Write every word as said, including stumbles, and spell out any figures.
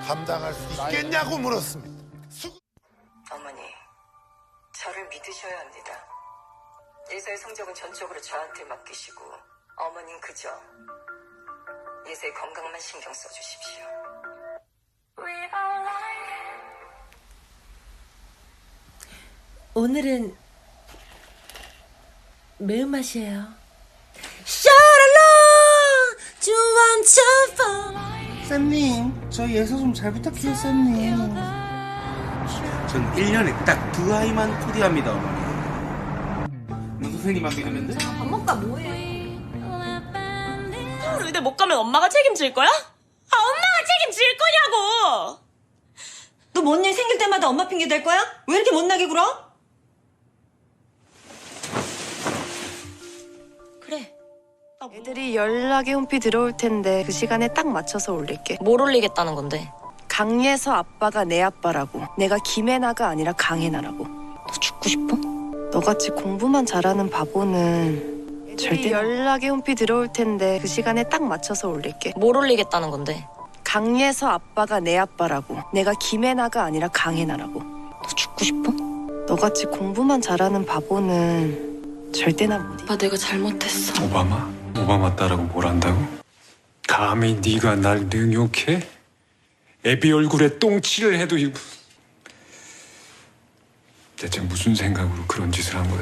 감당할 수 있겠냐고 물었습니다. 수... 어머니, 저를 믿으셔야 합니다. 예서의 성적은 전적으로 저한테 맡기시고 어머닌 그저 예서의 건강만 신경 써주십시오. 오늘은 매운맛이에요. 쌤님, 저 예서 좀 잘 부탁해요, 쌤님. 전 일 년에 딱 두 아이만 코디합니다, 어머니. 너 선생님만 믿으면 돼? 밥 먹다 뭐해? 서울 의대 못 가면 엄마가 책임질 거야? 아, 엄마가 책임질 거냐고! 너 뭔 일 생길 때마다 엄마 핑계 댈 거야? 왜 이렇게 못나게 굴어? 그래. 애들이 연락이 홈피 들어올 텐데 그 시간에 딱 맞춰서 올릴게. 뭘 올리겠다는 건데? 강예서 아빠가 내 아빠라고. 내가 김혜나가 아니라 강혜나라고. 너 죽고 싶어? 너같이 공부만 잘하는 바보는 절대 연락이 홈피 들어올 텐데 그 시간에 딱 맞춰서 올릴게. 뭘 올리겠다는 건데? 강예서 아빠가 내 아빠라고. 내가 김혜나가 아니라 강혜나라고. 너 죽고 싶어? 너같이 공부만 잘하는 바보는 절대나 못 이겨. 아빠 내가 잘못했어. 오바마? 오바마 따라고 뭘 안다고? 감히 네가 날 능욕해? 애비 얼굴에 똥칠을 해도 이... 대체 무슨 생각으로 그런 짓을 한 거야?